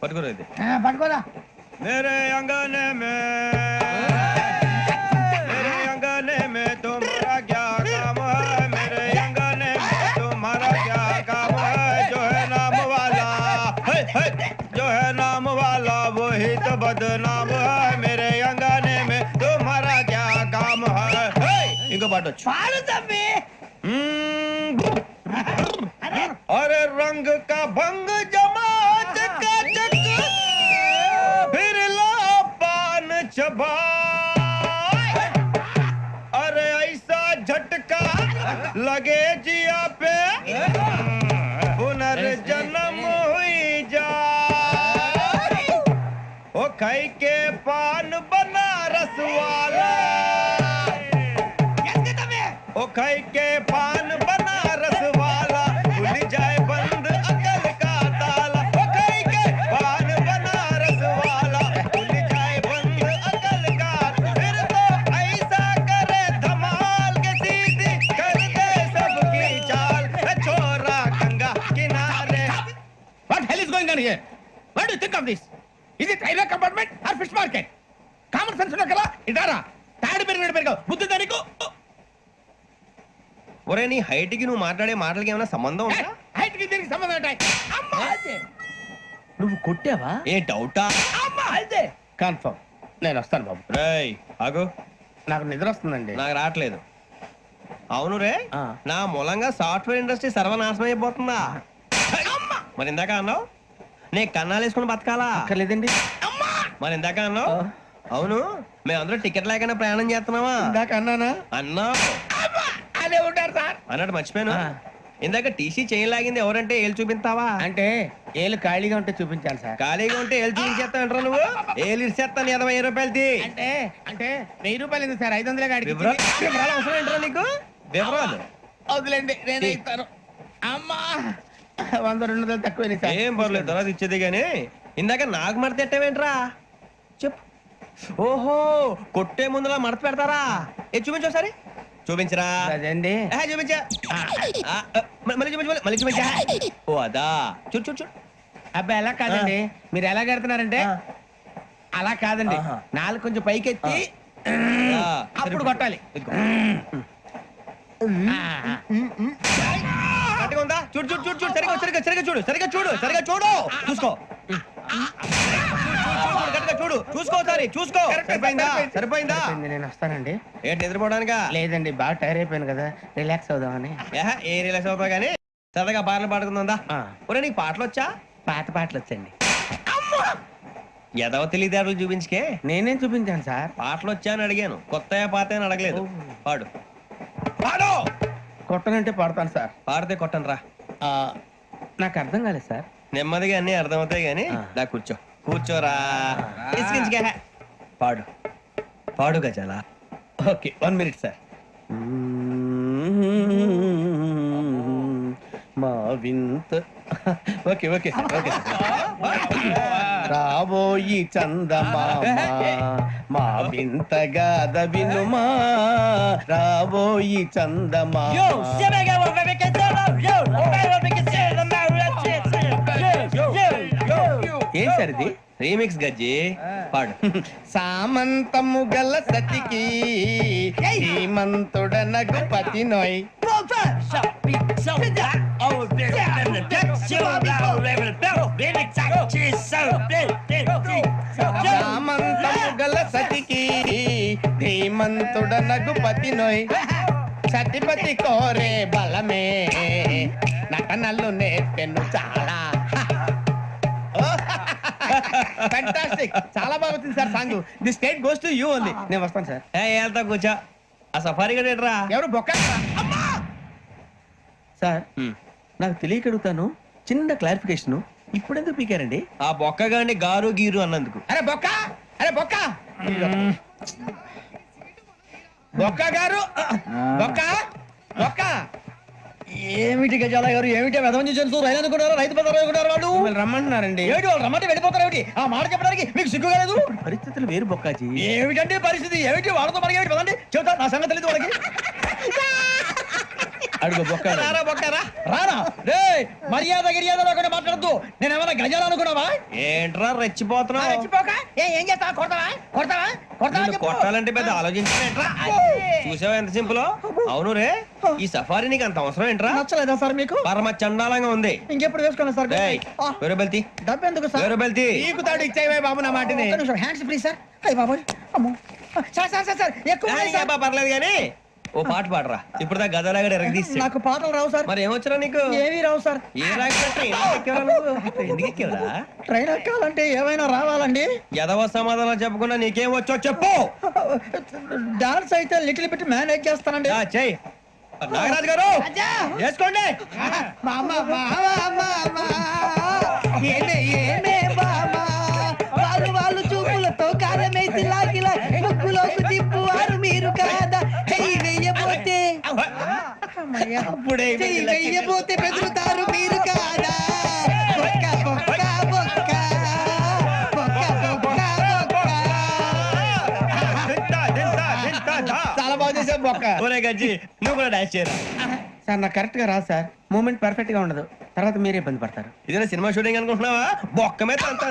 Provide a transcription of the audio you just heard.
పట్టుకోరా ఇది. పట్టుకోరా. मेरे अंगने में तुम्हारा क्या काम है? मेरे अंगने में तुम्हारा क्या काम है? जो है नाम वाला जो है नाम वाला वही तो बदनाम है. मेरे अंगने में तुम्हारा क्या काम है? इनको बाटो. పాడు తమ్మి. अरे रंग का भंग जमा चकाचक फिर ला पान चबा. अरे ऐसा झटका लगे जिया पे पुनर्जन्म हुई जा. ओ खाई के पान बनारस वाला ओ खाई के पान बनारस वाला खुल जाए बंद अकल का ताला. ओ खाई के पान बनारस वाला खुल जाए बंद अकल का. फिर तो ऐसा करे धमाल के सीधी कर दे सबकी चाल. छोरा गंगा किनारे. What hell is going on here? What do you think of this? Is it railway compartment or fish market? Common sense ఉన్నా కదా ఇదారా తాడి పెరిగిన బుద్ధి దానికి. ఒరే నీ హైట్ కి నువ్వు మాట్లాడే మాటలకి ఏమైనా సంబంధం ఉందా? హైట్ కి దీనికి సంబంధం ఉంటాయి. అమ్మా అదే నువ్వు కొట్టావా? ఏ డౌటా? అమ్మా అదే కన్ఫర్మ్. నేను వస్తాను బాబు. రేయ్ ఆగు. నాకు నిద్ర వస్తుందండి. నాకు రావట్లేదు. అవును రే, నా మూలంగా సాఫ్ట్వేర్ ఇండస్ట్రీ సర్వనాశనం అయిపోతుందా? మరి ఇందాక అన్నావు నే కన్నాలు వేసుకుని బతకాలా? లేదండి. మరి ఇందాక అన్నావు అవును మేమందరూ టికెట్ లేకుండా ప్రయాణం చేస్తున్నావా? ఇందాక అన్నానా? అన్నావు. అదే ఉంటారు సార్ అన్నట్టు మర్చిపోయాను. ఇందాక టీసీ చేయి లాగింది ఎవరంటే ఏళ్ళు చూపిస్తావా? అంటే ఏళ్ళు ఖాళీగా ఉంటే చూపించాలి సార్. ఖాళీగా ఉంటే ఏళ్ళు చూపించేస్తానంటారా నువ్వు? ఏళ్ళు ఇచ్చేస్తాను 20 రూపాయలది. అంటే అంటే 1000 రూపాయలు ఎందుకు సార్? 500 గాడికి వివరాలు అవసరం ఏంట్రా నీకు? వివరాలు వదిలేండి నేనే ఇస్తాను. అమ్మా 100-200 తక్కువ సార్. ఏం పర్లేదు తర్వాత ఇచ్చేది గానీ ఇందాక నాకు మడత ఎట్టవేంట్రా చెప్పు. ఓహో కొట్టే ముందులా మడత పెడతారా? ఏ చూపించు ఒకసారి. చూపించరా? అదండి చూపించా. మళ్ళీ చూపించు మళ్ళీ చూపించా. ఓ అదా చూడు చూడు చూడు. అబ్బాయి ఎలా కాదండి, మీరు ఎలా కడుతున్నారంటే అలా కాదండి. నాలుగు కొంచెం పైకెత్తి అప్పుడు కొట్టాలి. కరెక్ట్గా ఉందా? చూడు చూడు చూడు చూడు సరిగా సరిగా సరిగా చూడు సరిగా చూడు సరిగా చూడు చూసుకో. చూడు చూసుకో ఒకసారి చూసుకో. సరిపోయిందా? సరిపోయిందా? నేను వస్తానండి. ఏంటి నిద్రపోవడానికా? లేదండి బాగా టైర్ అయిపోయాను కదా, రిలాక్స్ అవుదామని. ఏ రిలాక్స్ అవుతావు కానీ సరదాగా పాటలు పాడుకుందా? ఒరే నీకు పాటలు వచ్చా? పాత పాటలు వచ్చండి. ఎదవ తెలివితేటలు చూపించుకే. నేనేం చూపించాను సార్? పాటలు వచ్చా అని అడిగాను, కొత్త పాత అని అడగలేదు. పాడు పాడు. కొట్టనంటే పడతాను సార్. పాడితే కొట్టను రా. నాకు అర్థం కాలేదు సార్. నెమ్మదిగా అన్ని అర్థమవుతాయి గానీ దా కూర్చో. కూర్చోరా. పాడు పాడు గజాల. Okay 1 minute sir. మా వింత okay okay sir okay sir. రాబోయి చందమామ మా వింత గాథ వినుమా. రాబోయి చందమామ. ఏం సార్ ఇది? రీమిక్స్ గజ్జి. పాడు. సామంతము గల సతికి శ్రీమంతుడనగు పతి నోయ్. సామంతము గల సతికి ధీమంతుడనగు పతి నోయ్. సతిపతి కోరే బలమే నటనలు నేర్పెను చాలా. ఫ్యాంటాస్టిక్, చాలా బాగా వచ్చింది sir song. The state goes to you only. నేను వస్తాను సార్. వెళ్తా కూర్చో. ఆ సఫారీ గడేట్రా? ఎవరు బొక్క సార్? నాకు తెలియక అడుగుతాను, చిన్న క్లారిఫికేషన్. ఇప్పుడు ఎందుకు పీకారండి? ఆ బొక్క గాని గారు గీరు అన్నందుకు. అరే బొక్క, అరే బొక్క, బొక్క గారు, బొక్క బొక్క. ఏమిటి గజాల గారు, ఏమిటి వెదవని తెలుసు? రైలు అనుకున్నారు, రైతు బజార్ అనుకున్నారు. వాళ్ళు రమ్మంటున్నారండి. ఏమిటి వాళ్ళు రమ్మంటే వెళ్ళిపోతారు? ఏమిటి ఆ మాట చెప్పడానికి మీకు సిగ్గుగా లేదు? పరిస్థితులు వేరు బొక్కాజీ. ఏమిటంటే పరిస్థితి? ఏమిటి వాళ్ళతో మనకి ఏమిటి? పదండి చెబుతా, నా సంగతి తెలియదు వాళ్ళకి. అడుగు బొక్క రారా బొక్కరా. రానా రే మర్యాద గిర్యాద లేకుండా మాట్లాడద్దు నేను ఏమైనా గజాలు అనుకున్నావా ఏంట్రా రెచ్చిపోతున్నావు? ఏం చేస్తా కొడతావా కొడతావా నిన్ను కొట్టాలంటే పెద్ద ఆలోచించలేంట్రా. చూసావా ఎంత సింపుల్. అవును రే, ఈ సఫారీ నీకు అంత అవసరం ఏంట్రా? నచ్చలేదా సార్ మీకు పరమ చండాలంగా ఉంది. ఇంకెప్పుడు వేసుకోండి సార్ ఏయ్, వేరే బెల్తి డబ్బు ఎందుకు సార్ వేరే బెల్తి. నీకు తాడు ఇచ్చేవే బాబు నా మాటని. హ్యాండ్స్ ఫ్రీ సార్ అయ్యి బాబోయ్ అమ్మో సార్ సార్ సార్ సార్ ఎక్కువ ఉన్నాయి సార్. పర్లేదు కానీ ఓ పాట పాడరా. ఇప్పుడు దా గదలాగడ ఎరగదీసి. నాకు పాటలు రావు సార్ మరి ఏమొచ్చరా నీకు? ఏమీ రావు సార్ ఏ రాకపోతే ఎందుకు ఎక్కేవరా? ట్రైన్ ఎక్కాలంటే ఏమైనా రావాలండి ఎదవ సమాధానం చెప్పకుండా నీకేం వచ్చో చెప్పు. డాన్స్ అయితే లిటిల్ బిట్ మేనేజ్ చేస్తానండి ఆ, చెయ్ నాగరాజు గారు చేసుకోండి. మా అమ్మ మా అమ్మ మా అమ్మ ఏమే ఏమే బామా వాళ్ళు వాళ్ళు చూపులతో కారమేసి లాగిలా ముక్కులోకి తిప్పువారు మీరు కాదా చెయ్యి వెయ్యబోతే అమ్మయ్య. అప్పుడే చెయ్యి వెయ్యబోతే బెదురుతారు మీరు కాదా బొక్క బొక్క బొక్క బొక్క బొక్క బొక్క. తింటా, తింటా, తింటా, దా. చాలా బాగా చేసావు బొక్క. ఒరే గజ్జి నువ్వు కూడా డాన్స్ చేయరా. సార్ నాకు కరెక్ట్ గా రాదు సార్. మూమెంట్ పర్ఫెక్ట్ గా ఉండదు, తర్వాత మీరే ఇబ్బంది పడతారు. ఇదేనా సినిమా షూటింగ్ అనుకుంటున్నావా? బొక్క మీద అంతా